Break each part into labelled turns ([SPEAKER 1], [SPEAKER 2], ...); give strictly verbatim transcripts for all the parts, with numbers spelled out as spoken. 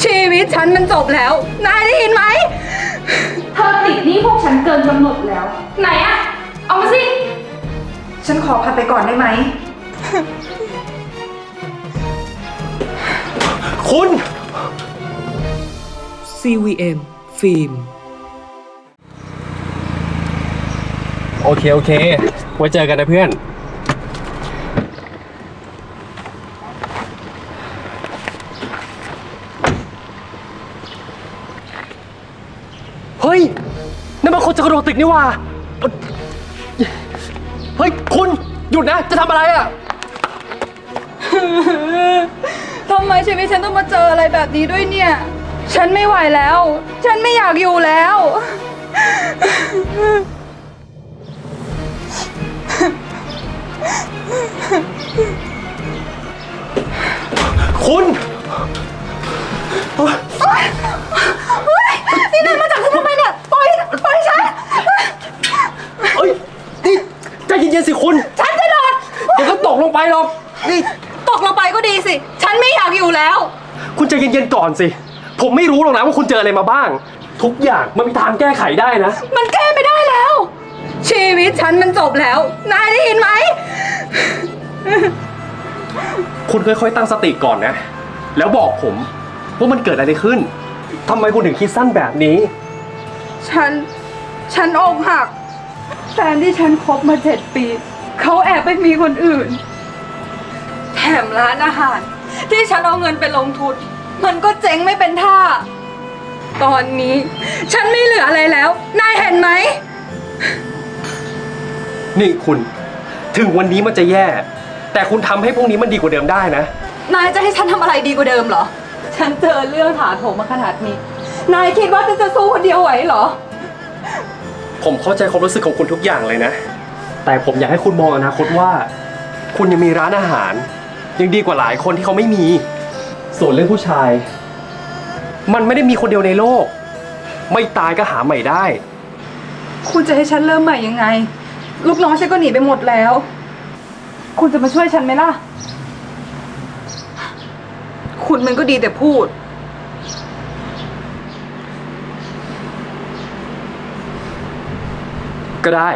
[SPEAKER 1] ชีวิตฉันมันจบแล้วนายได้ยินไหม
[SPEAKER 2] เธอติดหนี้พวกฉันเกินกำหนดแล้ว ไหนอะเอามาสิ
[SPEAKER 1] ฉันขอพักไปก่อนได้ไหม
[SPEAKER 3] คุณ
[SPEAKER 4] ซี วี เอ็ม ฟิล์ม
[SPEAKER 3] โอเคโอเคไว้เจอกันนะเพื่อนเฮ้ยนั่นมันคนจะกระโดดตึกนี่ว่าเฮ้ยคุณหยุดนะจะทำอะไรอ่ะ
[SPEAKER 1] ทำไมชีวิตฉันต้องมาเจออะไรแบบนี้ด้วยเนี่ยฉันไม่ไหวแล้วฉันไม่อยากอยู่แล้ว
[SPEAKER 3] คุณ
[SPEAKER 1] นี่นายมาจับฉันทำไมเนี่ยปล่อยปล่อยฉัน
[SPEAKER 3] เอ้ยนี่ใจเย็นๆสิคุณ
[SPEAKER 1] ฉันจะโดด
[SPEAKER 3] เดี๋ยวก็ตกลงไปหรอกนี่
[SPEAKER 1] ตกลงไปก็ดีสิฉันไม่อยากอยู่แล้ว
[SPEAKER 3] คุณใจเย็นๆก่อนสิผมไม่รู้หรอกนะว่าคุณเจออะไรมาบ้างทุกอย่างมันมีทางแก้ไขได้นะ
[SPEAKER 1] มันแก้ไม่ได้แล้วชีวิตฉันมันจบแล้วนายได้ยินไหม
[SPEAKER 3] คุณค่อยๆตั้งสติก่อนนะแล้วบอกผมว่ามันเกิดอะไรขึ้นทำไมคุณถึงคิดสั้นแบบนี้
[SPEAKER 1] ฉันฉันอกหักแฟนที่ฉันคบมาเจ็ดปีเขาแอบไปมีคนอื่นแถมร้านอาหารที่ฉันเอาเงินไปลงทุนมันก็เจ๊งไม่เป็นท่าตอนนี้ฉันไม่เหลืออะไรแล้วนายเห็นไหม
[SPEAKER 3] นี่คุณถึงวันนี้มันจะแย่แต่คุณทำให้พวกนี้มันดีกว่าเดิมได้นะ
[SPEAKER 1] นายจะให้ฉันทำอะไรดีกว่าเดิมเหรอฉันเจอเรื่องถาโถมมาขนาดนี้นายคิดว่าฉันจะสู้คนเดียวไหวเหรอ
[SPEAKER 3] ผมเข้าใจความรู้สึกของคุณทุกอย่างเลยนะแต่ผมอยากให้คุณมองอนาคตว่าคุณยังมีร้านอาหารยังดีกว่าหลายคนที่เขาไม่มีส่วนเรื่องผู้ชายมันไม่ได้มีคนเดียวในโลกไม่ตายก็หาใหม่ได้
[SPEAKER 1] คุณจะให้ฉันเริ่มใหม่ยังไงลูกน้องฉันก็หนีไปหมดแล้วคุณจะมาช่วยฉันไหมล่ะคุณมันก็ดีแต่พูด
[SPEAKER 3] ก็ได้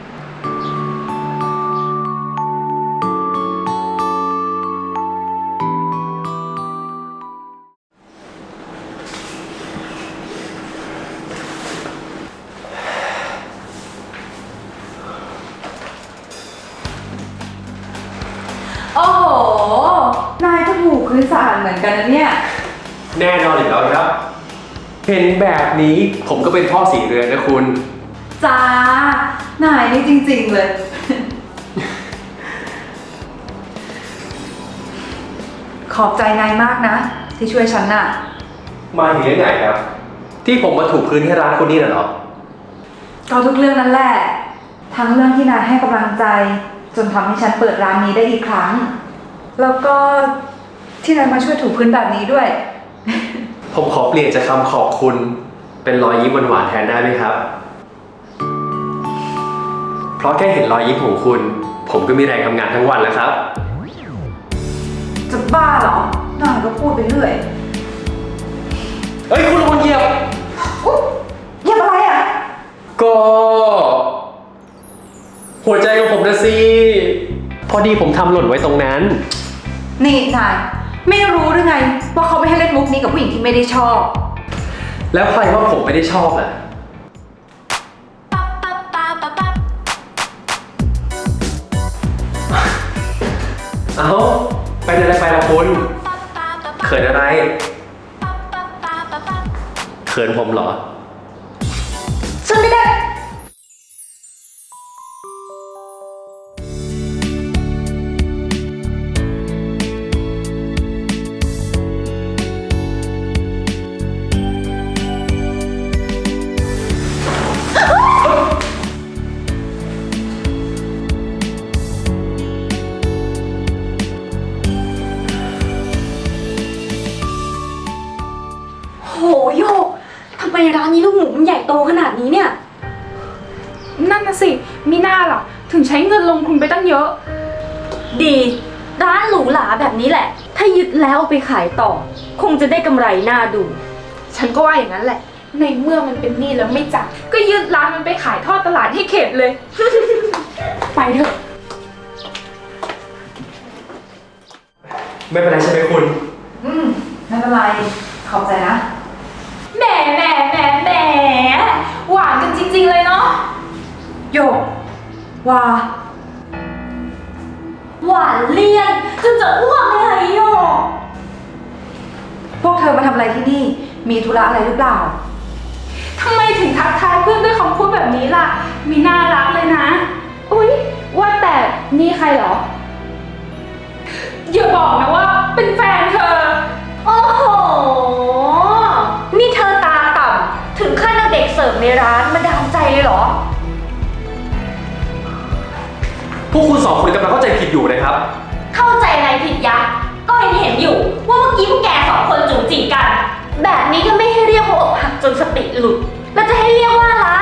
[SPEAKER 1] โอ้โหนายก็ถูกพื้นสะอาดเหมือนกันนะเนี่ย
[SPEAKER 3] แน่นอนอยู่แล้วครับเห็นแบบนี้ผมก็เป็นพ่อสีเรือนนะคุณ
[SPEAKER 1] จ้านายนี่จริงๆเลยขอบใจนายมากนะที่ช่วยฉันน่ะ
[SPEAKER 3] มาถึงเรื่องไหนครับที่ผมมาถูกพื้นที่ร้านคุณนี่น่ะเหรอ
[SPEAKER 1] ก็ทุกเรื่องนั่นแหละทั้งเรื่องที่นายให้กำลังใจจนทำให้ฉันเปิดร้านนี้ได้อีกครั้งแล้วก็ที่นายมาช่วยถูพื้นแบบนี้ด้วย
[SPEAKER 3] ผมขอเปลี่ยนจากคำขอบคุณเป็นรอยยิ้มหวานๆแทนได้ไหมครับเพราะแค่เห็นรอยยิ้มของคุณผมก็มีแรงทำงานทั้งวันแล้วครับ
[SPEAKER 1] จะบ้าเหรอ นายก็พูดไปเรื่อย
[SPEAKER 3] เฮ้ยคุณระวังเหยียบ
[SPEAKER 1] เหยียบอะไรอ่ะ
[SPEAKER 3] ก็หัวใจของผมนะสิพอดีผมทำหล่นไว้ตรงนั้น
[SPEAKER 1] นี่นายไม่รู้หรือไงว่าเขาไม่ให้เล่นมุกนี้กับผู้หญิงที่ไม่ได้ชอบ
[SPEAKER 3] แล้วใครว่าผมไม่ได้ชอบล่ะเอาไปอะไรไปละคุณเขินอะไรเขินผมเหรอ
[SPEAKER 1] ฉันไม่ได้
[SPEAKER 2] ทำไมร้านนี้ลูกหมูมันใหญ่โตขนาดนี้เนี่ยนั่นน่ะสิมีหน้าล่ะถึงใช้เงินลงทุนไปตั้งเยอะ
[SPEAKER 5] ดีร้านหรูหราแบบนี้แหละ
[SPEAKER 2] ถ้ายึดแล้วเอาไปขายต่อ คงจะได้กำไรน่าดู
[SPEAKER 5] ฉันก็ว่าอย่างนั้นแหละ ในเมื่อมันเป็นหนี้แล้วไม่จ่ายก็ยึดร้านมันไปขายทอดตลาดให้เข็ดเลย
[SPEAKER 2] ไปเถอะ
[SPEAKER 3] ไม่เป็นไรใช่ไหมคุณ
[SPEAKER 1] อืม ไม่เป็นไร ขอบใจนะ
[SPEAKER 5] แหมแหมแหมแหมหวานกันจริงๆเลยเนาะ
[SPEAKER 1] โยกว่า
[SPEAKER 2] หวานเลี่ยนจนจะอ้วกเลยโยก
[SPEAKER 1] พวกเธอมาทำอะไรที่นี่ มีธุระอะไรหรือเปล่า
[SPEAKER 5] ทำไมถึงทักทายเพื่อนด้วยคำพูดแบบนี้ล่ะ มีน่ารักเลยนะ อุ๊ย ว่าแต่นี่ใครเหรอ อย่าบอกนะว่าเป็นแฟนเธอ
[SPEAKER 2] โอ้โห นี่เธอตาต่ำถึงขั้นเอาเด็กเสิร์ฟในร้านมาดามใจเลยเหรอ
[SPEAKER 3] พวกคุณสองคนกำลังเข้าใจผิดอยู่นะครับ
[SPEAKER 2] เข้าใจอะไรผิดยักษ์ก็เห็นเห็นอยู่ว่าเมื่อกี้พวกแกสองคนจู๋จีกัน แบบนี้ก็ไม่ให้เรียกว่าอกหักจนสติหลุด แล้วจะให้เรียกว่าอะไร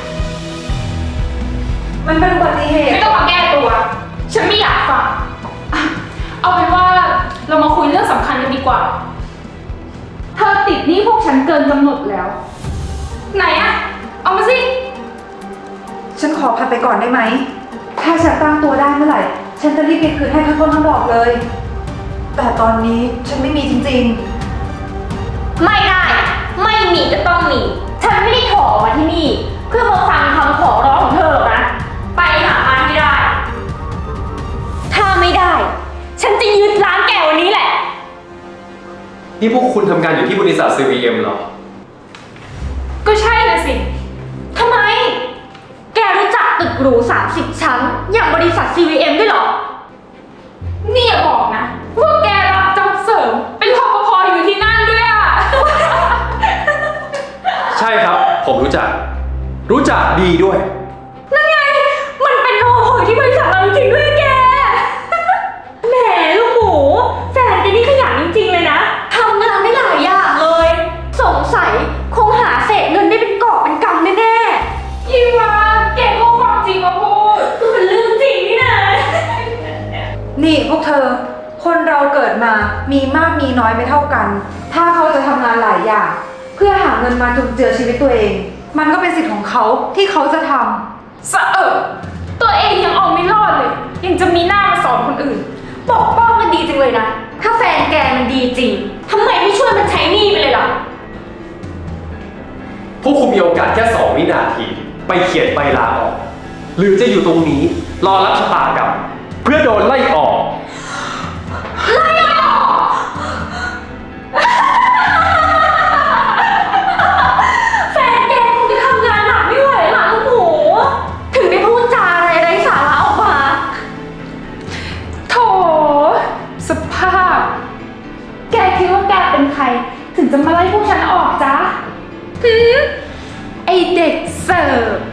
[SPEAKER 1] มันเป็นอุบัติเหตุ
[SPEAKER 5] ไม่ต้องมาแก้ตัว ฉันไม่อยากฟังอ่ะเอาเป็นว่าเรามาคุยเรื่องสำคัญกันดีกว่า เธอติดหนี้พวกฉันเกินกำหนดแล้ว ไหนอะเอามาสิ
[SPEAKER 1] ฉันขอพักไปก่อนได้ไหม ถ้าฉันตั้งตัวได้เมื่อไหร่ ฉันจะรีบไปคืนให้ทั้งต้นทั้งดอกเลย แต่ตอนนี้ฉันไม่มีจริง
[SPEAKER 2] ไม่ได้ ไม่มีก็ต้องมี ฉันไม่ได้ขอมาที่นี่ เพื่อมาฟังคำขอร้องของเธอหรอกนะ ไปหามาให้ได้ ถ้าไม่ได้ ฉันจะยึดร้านแกวันนี้แหละ
[SPEAKER 3] นี่พวกคุณทำงานอยู่ที่บริษัท ซี วี เอ็ม เหรอ
[SPEAKER 5] ก็ใช่นะสิ
[SPEAKER 2] ทำไม แกรู้จักตึกหรูสามสิบชั้น อย่างบริษัท ซี วี เอ็ม ด้วยเหรอ
[SPEAKER 5] นี่อย่าบอกนะว่าแกรับจ็อบเสริม เป็นรปภอยู่ที่นั่นด้วยอะ
[SPEAKER 3] ใช่ครับ ผมรู้จัก รู้จักดีด้วย
[SPEAKER 2] นั่นไง มันเป็นโอโหที่บริษัทเราจริงๆด้วยแก แหมลูกหมู แฟนแกนี่ขยันจริงๆเลยนะ ทำงานได้หลายอย่างเลย สงสัยคงหาเศษเงินได้เป็นกอบเป็นกำแน่
[SPEAKER 5] อีวาแกก็ความจริงมาพูด
[SPEAKER 2] ๆก็เป็นเรื่องจริงนี่นะ
[SPEAKER 1] ๆ นี่พวกเธอ คนเราเกิดมา มีมากมีน้อยไม่เท่ากัน ถ้าเขาจะทำงานหลายอย่าง เพื่อหาเงินมาจุนเจือชีวิตตัวเอง มันก็เป็นสิทธิ์ของเขาที่เขาจะทำ
[SPEAKER 5] สะเอิบตัวเองยังเอาไม่รอดเลย ยังจะมีหน้ามาสอนคนอื่น
[SPEAKER 2] ปกป้องมันดีจังเลยนะ ถ้าแฟนแกมันดีจริง ทำไมไม่ช่วยมันใช้หนี้ไปเลยล่ะ
[SPEAKER 3] พวกคุณมีโอกาสแค่สองวินาที ไปเขียนใบลาออก หรือจะอยู่ตรงนี้ รอรับชะตากรรมเพื่อโดนไล่ออก
[SPEAKER 2] แฟนแกคงจะทำงานหนักไม่ไหวหรอกลูกหมู ถึงได้พูดจาอะไรไร้สาระออกมา
[SPEAKER 5] โถ สภาพ แกคิดว่าแกเป็นใคร ถึงจะมาไล่พวกฉันออกจ๊ะหืมไอเด็กเสิร์ฟ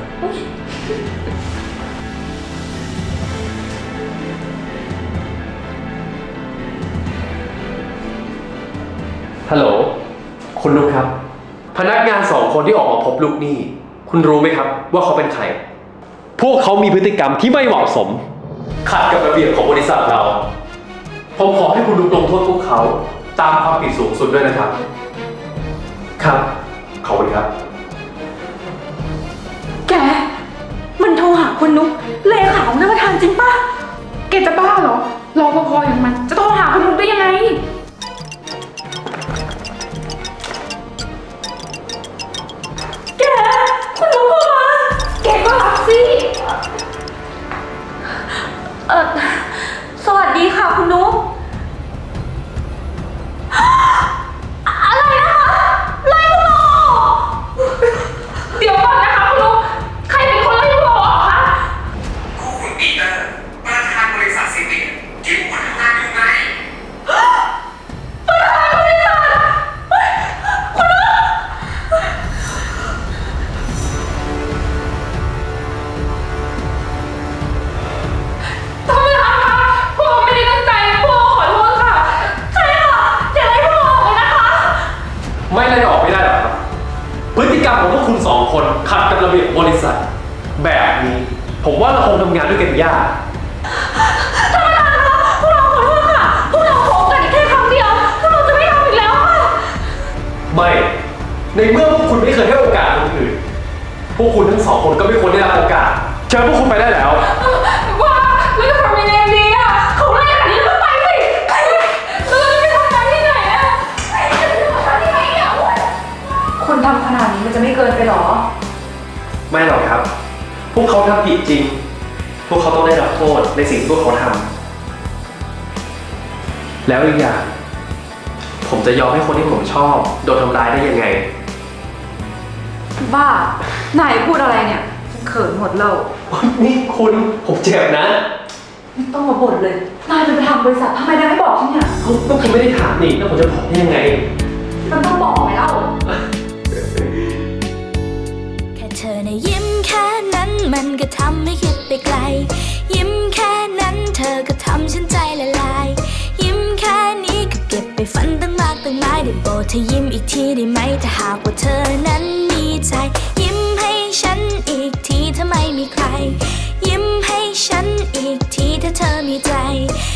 [SPEAKER 3] ฮัลโหล คุณนุกครับ พนักงานสองคนที่ออกมาพบลูกหนี้ คุณรู้ไหมครับว่าเขาเป็นใคร พวกเขามีพฤติกรรมที่ไม่เหมาะสม ขัดกับระเบียบของบริษัทเรา ผมขอให้คุณนุกลงโทษพวกเขา ตามความผิดสูงสุดด้วยนะครับ ครับ ขอบคุณครับ
[SPEAKER 2] แก มันโทรหาคุณนุ๊กเลขาของท่านประธานจริงปะ
[SPEAKER 5] แกจะบ้าเหรอ รอพอๆอย่างมัน จะโทรหาคุณนุ๊กได้ยังไง
[SPEAKER 2] แก คุณนุ๊กโทรมา
[SPEAKER 5] แกก็รับสิ
[SPEAKER 2] เออสวัสดีค่ะคุณนุ๊ก อะไรนะคะ ไล่พวกเราออก
[SPEAKER 5] เดี๋ยวก่อนนะคะคุณนุ๊กใครเป็นคนไล่พวกเราออกคะ
[SPEAKER 6] คู่คุณปีเตอร์ประธานบริษัทซีวิกที่คุณทำงานอยู่ไง
[SPEAKER 5] ทำไมคะพวกเราไม่ได้ตั้งใจพวกเราขอโทษค่ะ
[SPEAKER 2] ใช่ค่ะอย่าไล่พวกเราออกเลยนะคะ
[SPEAKER 3] ไม่ไล่ออกไม่ได้หรอกครับ พฤติกรรมของพวกคุณสองคนขัดกับระเบียบของบริษัท แบบนี้ ผมว่าเราคงทำงานด้วยกันยาก
[SPEAKER 2] ท่านประธานคะพวกเราขอโทษค่ะ พวกเราขอโอกาสอีกแค่ครั้ง
[SPEAKER 3] ไม่ ในเมื่อพวกคุณไม่เคยให้โอกาสคนอื่น พวกคุณทั้งสองคนก็ไม่ควรได้รับโอกาส เชิญพวกคุณไปได้แล้ว
[SPEAKER 5] ว่าแล้วจะทำยังไงดีอ่ะเขาไล่ขนาดนี้แล้วก็ไปสิแล้วเราจะไปทำงานที่ไหนอ่ะไปจะไปทำงานที่ไหนอ่ะ
[SPEAKER 1] คุณทำขนาดนี้มันจะไม่เกินไปหรอ
[SPEAKER 3] ไม่หรอกครับ พวกเขาทำผิดจริง พวกเขาต้องได้รับโทษในสิ่งที่พวกเขาทำ แล้วอีกอย่าง ผมจะยอมให้คนที่ผมชอบโดนทำร้ายได้ยังไง
[SPEAKER 1] บ้า นายพูดอะไรเนี่ยฉันเขินหมดแล้ว
[SPEAKER 3] นี่คุณผมเจ็บนะ
[SPEAKER 1] ไม่ต้องมาบ่นเลย นายจะไปทำบริษัททำไมนายไม่บอกฉันเนี่ย
[SPEAKER 3] เขาก็คุณไม่ได้ถามนี่แล้วผมจะบอกได้ยังไง
[SPEAKER 1] มันต้องบอกไหมเล่า
[SPEAKER 7] แค่เธอในะยิ้มแค่นั้นมันก็ทำให้คิดไปไกล ยิ้มแค่นั้นเธอก็ทำฉันใจละลาย ยิ้มแค่นี้ก็เก็บไปฝันตั้งมากตั้งหลายได้โปรดเธอยิ้มอีกทีได้ไหมถ้าหากว่าเธอนั้นมีใจ ยิ้มให้ฉันอีกทีถ้าไม่มีใคร ยิ้มให้ฉันอีกทีถ้าเธอมีใจ